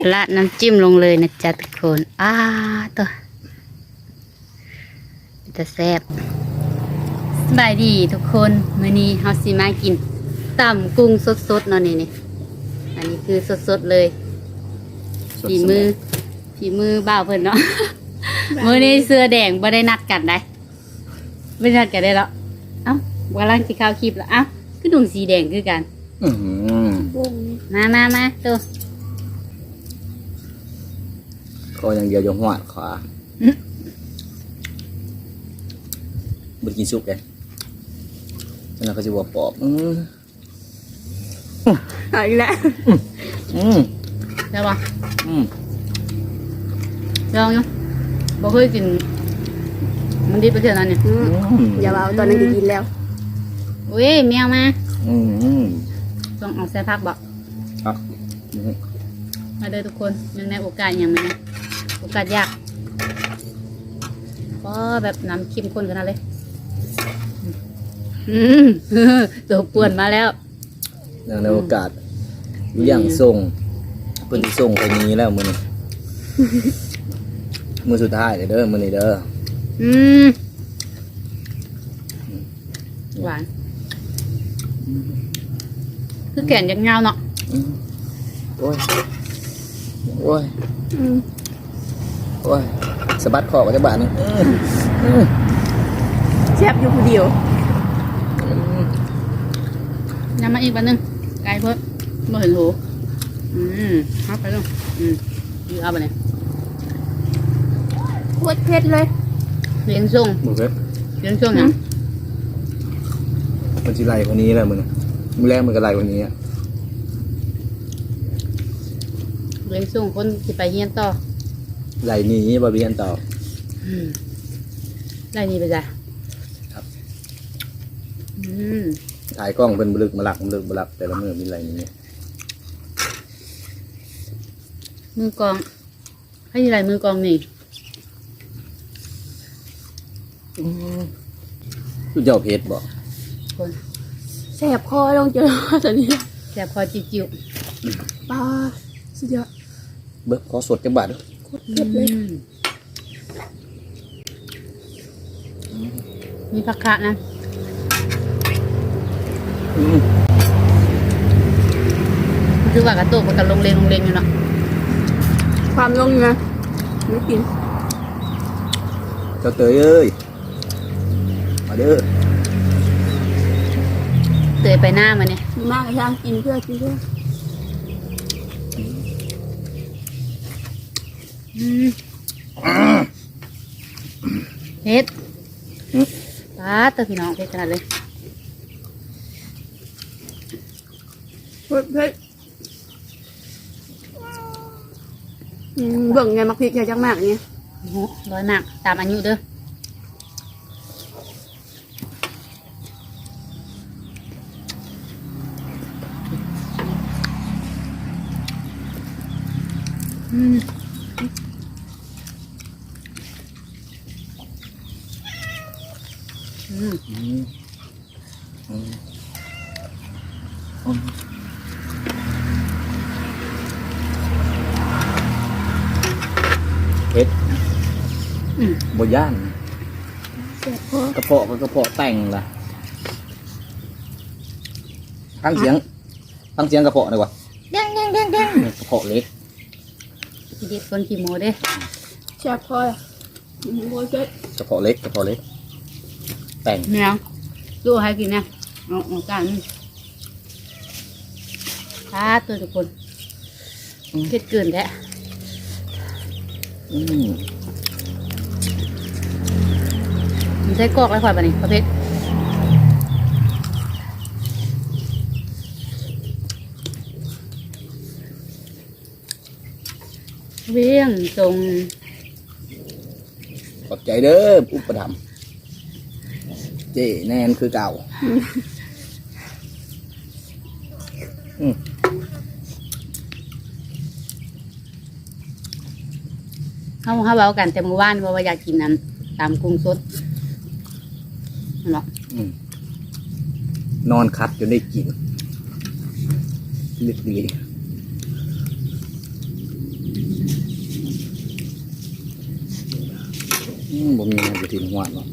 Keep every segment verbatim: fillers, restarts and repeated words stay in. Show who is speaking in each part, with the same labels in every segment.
Speaker 1: ละน้ำจิ้มลงเลยนะจ๊ะทุกคนอ้าตัวจะแซ่บสบายดีทุกคนมื้อนี้เฮาสิมากินตำกุ้งสดๆเนาะนี่นี่อันนี้คือสดๆเลยฝีมือฝีมือบ่าวเพิ่นเนาะ มื้อนี้เสื้อแดงบ่ได้นัดกันได้ไม่นัดกันได้แล้วเอ้ากำลังสิเข้าคลิปแล้วเอ้าคือดุงสีแดงคือกัน
Speaker 2: อืม
Speaker 1: มามามาตัว
Speaker 2: ก็อย่างเดียวยงหัวขวาบุกินซุปเลยแล้วเราก็จะบวกปอบอืม
Speaker 3: เอาอีกแล้ว
Speaker 2: อืม
Speaker 1: ได้ปะ
Speaker 2: อืม
Speaker 1: ลองอยู่บ่เคยกินมันดีไปเท่านั้นเนี่ย
Speaker 3: อืมอย่าเอาตอนนั้นจะกินแล้ว
Speaker 1: อุ้ยแมวมา
Speaker 2: อืมอืม
Speaker 1: ต้องเอาใส่ผักบอก
Speaker 2: ครับ
Speaker 1: มาเด้อทุกคนยังในโอกาสยังไงนะโอกาสยากก็แบบน้ำเข้มข้นขนาดเลยอืม ตัวป่วนมาแล้ว
Speaker 2: อย่างในโอกาสอยู่อย่างส่งเพิ่นสิส่งไปนี้แล้วมื้อนี้ มื้อสุดท้ายเลยเด้อมื้อนี้เด้อ
Speaker 1: อืมหวานคือแก่นยังเงาเนาะ
Speaker 2: อืมโอ้ยโอ้ย
Speaker 3: อืม
Speaker 2: โอ้ยสะบัดคอกับจักบาทนึงอืมอืม
Speaker 3: แซ่บอยู่คนเดียว
Speaker 2: อืม
Speaker 1: น้ำมาอีกแป๊บนึงไกลเพิ่มไม่เห็นหูอืมเอาไปลงอืมอยู่เอาไปเนี่ย
Speaker 3: โคตรเผ็ดเลย
Speaker 1: เลี้ยงส่ง
Speaker 2: บ่เด้อ
Speaker 1: เลี้ยงส่งยัง
Speaker 2: มันสิไล่คนนี้แหละมื้อนี้มื้อแรกมันก็ไล่คนนี้อ่ะ
Speaker 1: เลี้ยงส่งคนที่ไปเฮียนต่อ
Speaker 2: ไล่หนี้บ่เบียนต่อ
Speaker 1: อืมได้นี่ไปจ้ะ
Speaker 2: ครับ
Speaker 1: อืม
Speaker 2: ถ่ายกล้องเป็นบลึกมาหลักบลึกมาหลักแต่ละมือมีอะไรนี้
Speaker 1: มือกองให้อะไรมือกองนี่
Speaker 2: คุณเจ้าเพชรบอก
Speaker 1: คน
Speaker 3: แซ่บคอลงเจอตอนนี้
Speaker 1: แสบคอจิ๋ว
Speaker 3: ปลาสุดยอด
Speaker 2: เบิกขอสดจังบาทด้วย
Speaker 3: โคตร
Speaker 1: ๆ
Speaker 3: เผ็ดเลย
Speaker 1: อืมมีผักคะนะ
Speaker 2: อืม
Speaker 1: คือว่ากระตุกมันกับลงเลงลงเลงอยู่เนาะ
Speaker 3: ความลงอยู่นะไม่กิน
Speaker 2: เจ้าเตยเอ้ยมาเด้อ
Speaker 1: เตยไปหน้ามาเนี่ย
Speaker 3: มากย่างกินเพื่อกินเพื่อ
Speaker 1: อืมเผ็ดปลาเตยพี่น้องเผ็ดขนาดเลย
Speaker 3: โคตรเผ็ดอืมเบิ่งไงมักพริกใหญ่จังมากเนี่ย
Speaker 1: โอ้โหร้อยมากตามอายุเด้ออืม อืม
Speaker 2: อืมอืมอืมเพชร
Speaker 1: อืม
Speaker 2: บย่าน
Speaker 3: แซ่บคอก
Speaker 2: ระเพาะก็กระเพาะแต่งล่ะตั้งเสียงตั้งเสียงกระเพาะดีกว่าเด้งเด้งเด้งเด้งกระเพาะเล็ก
Speaker 1: ทีเด็ดคนขี้โมเด้
Speaker 3: แซ่บคออืมโคตรเผ็ด
Speaker 2: กระเพาะเล็กกระเพาะเล็กแต่ง
Speaker 1: แมวดูให้กินนะเอาเอากันพาตัวทุกคนเผ็ดเกินแท้
Speaker 2: อืม
Speaker 1: มันใช้กอกแล้วค่อยปะนี่ประเภทเวียงตรง
Speaker 2: ขอบใจเด้ออุปถัมภ์เจ๊แนนคือเก่าอืม
Speaker 1: เขาเขาเบากันแต่เมื่อวานว่าว่าอยากกินนั้นตามกุ้งสดนั่นหรอ
Speaker 2: อืมนอนคัดจนได้กินลึกดีมบ่มีนะอยู่ที่หัวเนาะ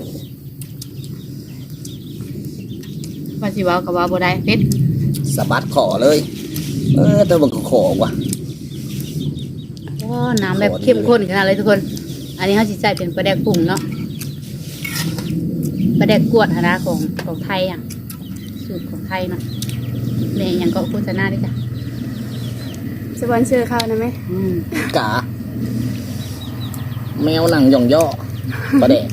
Speaker 1: ว่าสิเว้าก็เว้าบ่ได้เผ็ด
Speaker 2: สะบัดขอเลย เออแต่มันก็ขอว่ะ
Speaker 1: โอ้น้ำแบบเข้มข้นขนาดเลยทุกคน อันนี้เฮาสิใส่เป็นปลาแดกปรุงเนาะปลาแดกกวดหนนะของของไทยอ่ะสูตรของไทยเนาะแม่หยังก็โฆษณาด้วยจ้ะ
Speaker 3: สปอนเซอร์เข้านะไหม
Speaker 1: อืม
Speaker 2: กะแมวหนังหย่องย่อประเดะ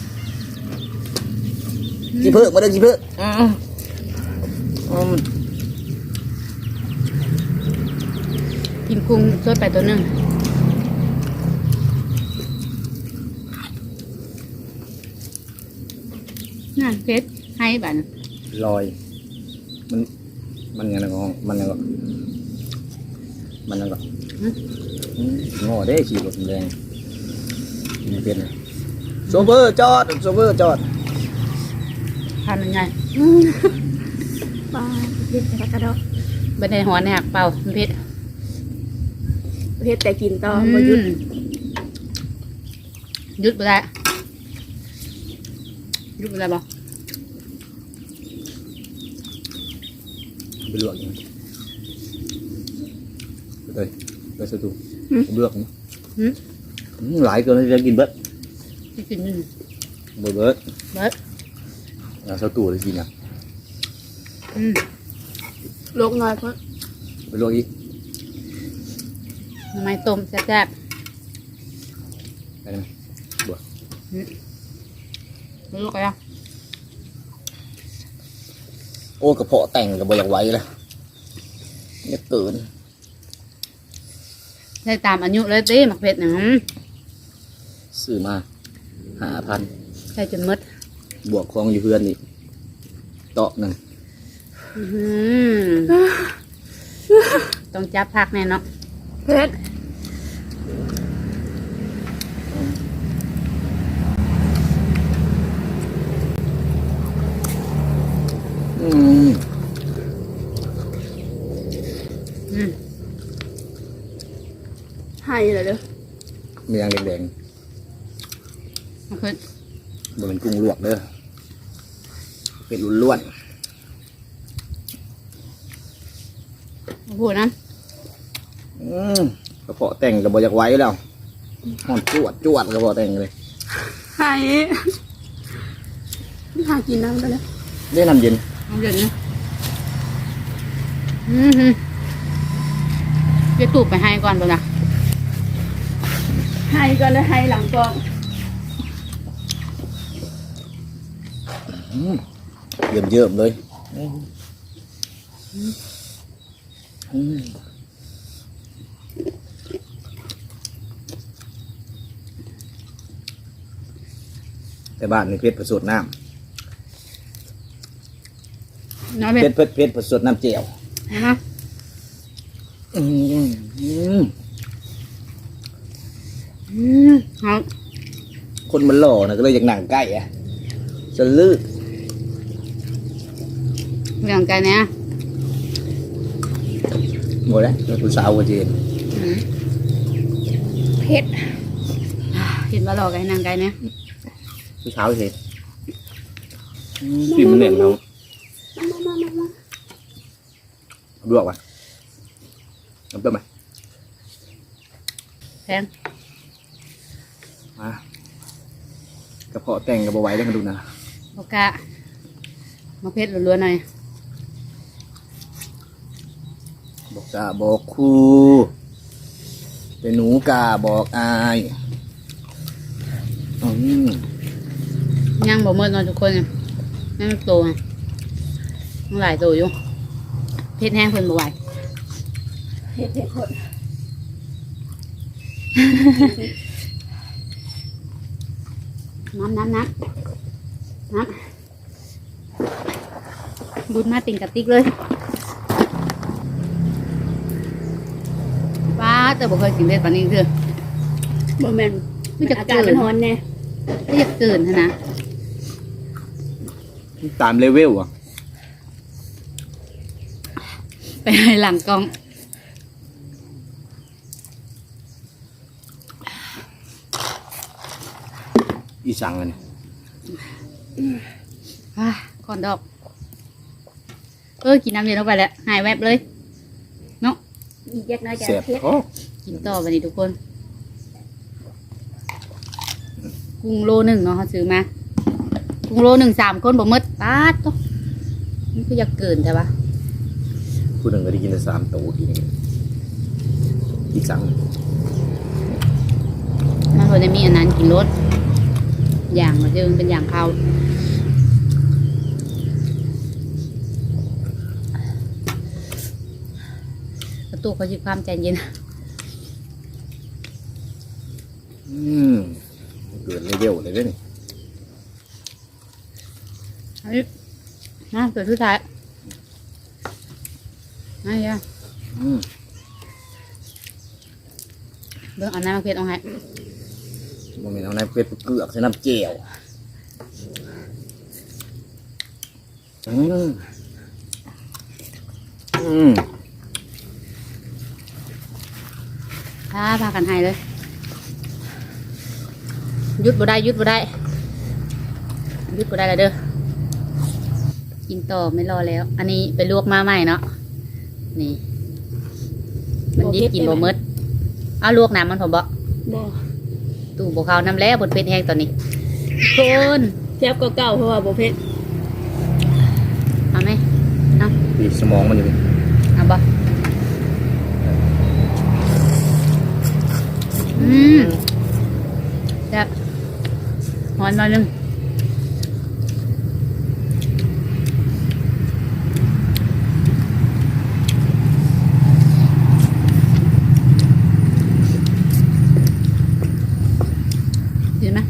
Speaker 2: จีเพิ่มาเด้อจีเพิ่อืมอืม
Speaker 1: กินกุ้งสดไปตัวหนึงนั่นเผ็ดให้บัด
Speaker 2: ลอย มัน มันยังไงก็มันยังไงก็มันยังไงก็อืมงอได้ขี่รถแรงมันเป็นโซเฟอร์จอดโซเฟอร์จอด
Speaker 1: ทานยังไง
Speaker 3: ปลาเผ็ดแต่กระดอก
Speaker 1: บันไดหัวในหักเป่ามันเผ็ด
Speaker 3: เผ็ดแต่กินต่อบ่หยุด
Speaker 1: อืมหยุดไปได้หยุดไปได้บ่
Speaker 2: ไปลวกยังไปเลยไปสตูเลือกนะ
Speaker 1: หืม
Speaker 2: อืมหลายเกินจะกินเบิด
Speaker 1: ที่กินนี่
Speaker 2: เบิดเบิด
Speaker 1: เบิด
Speaker 2: เอาสตูเลยกินอ่ะ
Speaker 1: อืม
Speaker 3: ลกน้อยเพราะ
Speaker 2: ไปลวกอีก
Speaker 1: ทำไมต้มแซ่บ
Speaker 2: ไปไหมบัว
Speaker 1: ๆอืมไม่รู้กันยัง
Speaker 2: โอ้กระเพาะแต่งกับบอยากไว้เลยเนี่ยเกิน
Speaker 1: ใช้ตามอายุเลยตีหมักเผ็ดหนึ่ง
Speaker 2: ซื้อมาหาพัน
Speaker 1: ใช้จนหมด
Speaker 2: บวกคลองอยู่เพื่อนอีกเตาะหนึ่ง
Speaker 1: อื้อหือต้องจับพักแน่เนาะ
Speaker 3: เผ็ด
Speaker 2: อืม
Speaker 1: อืม
Speaker 3: ให้เลยเด้อ
Speaker 2: มียางแดง
Speaker 1: หมักเผ็ด
Speaker 2: ๆบนเป็นกุ้งลวกเด้อเป็ดล้วน
Speaker 1: โอ้โหนะ
Speaker 2: ๆอืมกระเพาะแต่งกับบอยากไว้แล้วห่อนจวดจวดกระเพาะแต่งเลย
Speaker 3: ให้หากินน้ำไปเลย
Speaker 2: ได้น้ำเย็น
Speaker 1: เอาเดี๋ยวนี้อือหือเดี๋ยวตูบไปให้ก่อนเปล่านะ
Speaker 3: ให้ก่อนเลยให้หลังกอง
Speaker 2: อืมเยิ่มเยิ่มๆเลยอืมแต่บ้านนี่เพชรผสมน้
Speaker 1: น้อย
Speaker 2: ำ
Speaker 1: เผ็
Speaker 2: เพ
Speaker 1: ด
Speaker 2: ชรเพชรเพชรผสมน้ำเจียว
Speaker 1: นะ
Speaker 2: อืมอืม
Speaker 1: อืมเอา
Speaker 2: คนมันหล่อนะก็เลยอยากหนังใกล้อะจะลืด
Speaker 1: เรื่องกันเนี่ย
Speaker 2: หมดแล้วคุณสาวกับเจน
Speaker 1: อืม
Speaker 3: เผ็ด
Speaker 1: เห็นว่าหลอกกันนางไก่เนี่ย
Speaker 2: คุณสาวเห็นกินมันเหน็บเรา
Speaker 3: มามามามา
Speaker 2: ลวกไปน้ำเต้มไหม
Speaker 1: แพง
Speaker 2: มากระเพาะแต่งกับบไหว้ได้มาดูนะ
Speaker 1: โอกะมาเผ็ดล้วนๆหน่อย
Speaker 2: บอกกาบอกครูเป็นหนูกาบอกอายอืม
Speaker 1: ย่างบ่เมื่อเนอนทุกคนเนี่ยย่างมันโตไงมันหลายโตอยู่เผ็ดแห้งเพิ่นบ่ไหว
Speaker 3: เผ็ดเผ็ดคน
Speaker 1: น้ำน้ำน้ำน้ำบุญมาติ่งกระติกเลยป้าแต่บ่เคยกินเด็ดปานนี้คือ
Speaker 3: บ่แม่น
Speaker 1: ไม่จะ
Speaker 3: อากาศมันร้อนแน่
Speaker 1: ไม่อยากตื่นเท่านะ
Speaker 2: ตามเลเวลอ่ะ
Speaker 1: ไปให้หลังกล้อง
Speaker 2: อีสังเลย
Speaker 1: อ่ะก่อนดอก เออกินน้ำเย็นลงไปแล้วหายแวบเลยเนาะ
Speaker 3: อีกเล็กน้อยจะ
Speaker 2: เสียบ
Speaker 3: เผ็ด
Speaker 2: โอ้
Speaker 1: กินต่อวันนี้ทุกคน กุ้งโลหนึ่งเนาะเขาซื้อมา กุ้งโลหนึ่งสามคนบ่หมดปาดตัวมันก็อยากเกินใช่ปะ
Speaker 2: ผู้หนึ่งก็ได้กินแต่สามตัวทีนี้อีสัง
Speaker 1: มันพอจะมีอันนั้นกินรสอย่างมันจะเป็นอย่างข้าวประตูเขาชิความใจเย็น
Speaker 2: อืมเกิดเลยเดียวเลยเด้อนี่
Speaker 1: อันนี้น่าเกิดทุกท้ายน่าจะ
Speaker 2: อืม
Speaker 1: เบิ่งเอาน้ำมาเผ็ดเอาให้
Speaker 2: มันเป็นเอาในเป็ดเกลือกใส่น้ำเจียวอืมอืม
Speaker 1: ถ้าพากันให้เลยหยุดบ่ได้หยุดบ่ได้หยุดบ่ได้แล้วเด้อกินต่อไม่รอแล้ว อันนี้ไปลวกมาใหม่เนาะนี่มันดิบกินบ่หมดเอาลวกน้ำมันผมบ่
Speaker 3: บ่
Speaker 1: ตู้บ่เข้าน้ำแล้วบนเป็ดแห้งตอนนี้คน
Speaker 3: แซ่บก็เก่าเพราะว่าบ่เผ็ด
Speaker 1: เอาไหมเอา
Speaker 2: บีบสมองมันอยู่นี่
Speaker 1: เอาบ่อืมจะหอนหน่อยหนึงเห็นไหม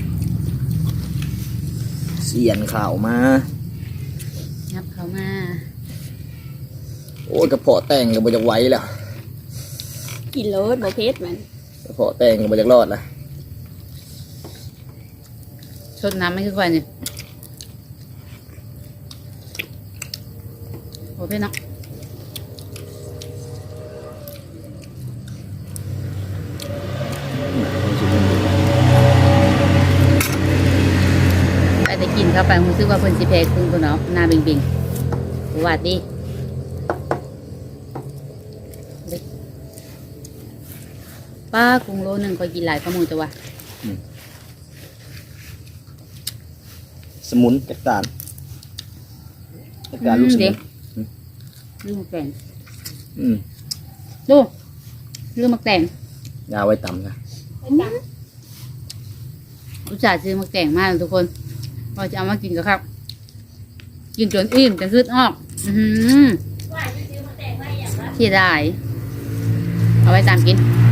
Speaker 2: เสียนข่าวมา
Speaker 1: ยับเขามา
Speaker 2: โอ้ยกระเพาะแต่งก็บ่จะไหวแล้ว
Speaker 3: กินโลดบ่เผ็ดมัน
Speaker 2: กระเพาะแต่งก็บ่จะรอดละ
Speaker 1: ชดน้ำไม่คือควายนี่โอเคเนาะไปแต่กินเข้าไปรู้สึกว่าเพิ่นสิแพ้กุ้งตัวเนาะหน้าบิงบิงๆสวัสดีเด็กป้ากุ้งโลหนึ่งคอยกินหลายข้อมูลจ้ะวะ
Speaker 2: สมุนจักรานจักรานลูกสมุน
Speaker 1: ลืมมักแต่ง
Speaker 2: อืม
Speaker 1: ดูลืมมักแต่ง
Speaker 2: ยาไว้ต่ำนะ
Speaker 1: อุตส่าห์ซื้อมักแต่งมากทุกคนพอจะเอามากินก็ครับ กินจนอิ่มจนคืดออกอือหือเสียดายเอาไว้ตามกิน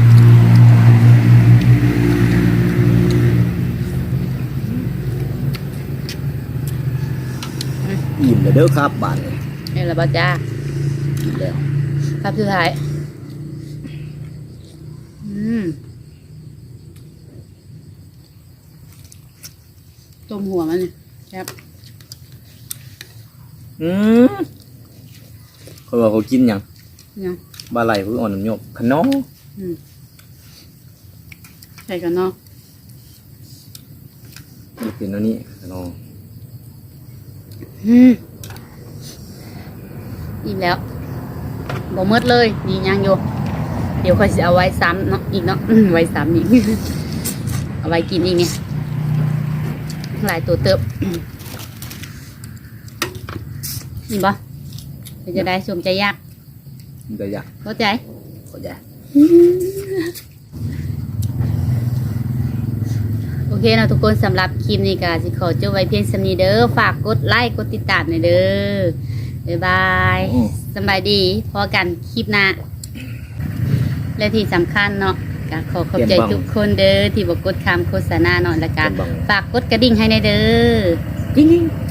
Speaker 2: อิ่มเลยเด้อครับบานเลย
Speaker 1: นี่แหละบ้าจ้า
Speaker 2: อิ่มแล้ว
Speaker 1: ครับสุดท้ายอืมต้มหัวมันนี่ครับ
Speaker 2: อืมเขาบอกเขากินหยัง
Speaker 1: ยัง
Speaker 2: บาไหลเพื่ออ่อนน้ำโยกขนม
Speaker 1: อืมใส่กันเนาะ
Speaker 2: เป็นอันนี้ขนม
Speaker 1: อืมอิ่มแล้วบ่หมดเลยนี่ยังอยู่เดี๋ยวค่อยจะเอาไว้ซ้ำเนาะอีกเนาะ ไว้ซ้ำอีก เอาไว้กินอีกเนี่ยหลายตัวเติบ นี่บ่เป็นจะได้สมใจยาก
Speaker 2: เดี๋ยวอยาก
Speaker 1: เข้าใจ
Speaker 2: ขอใจ
Speaker 1: โอเคนะทุกคนสำหรับคลิปนี้ก็สิขอจบไว้เพียงสำนีเด้อฝากกดไลค์กดติดตามหน่อยเด้อบ๊ายบายสำบายดีพอกันคลิปหน้าและที่สำคัญเนาะก็ขอขอบใจทุกคนเด้อที่บอกกดคำโฆษณาเนาะและก็ฝากกดกระดิ่งให้ในอยเด้อ
Speaker 2: จริงๆ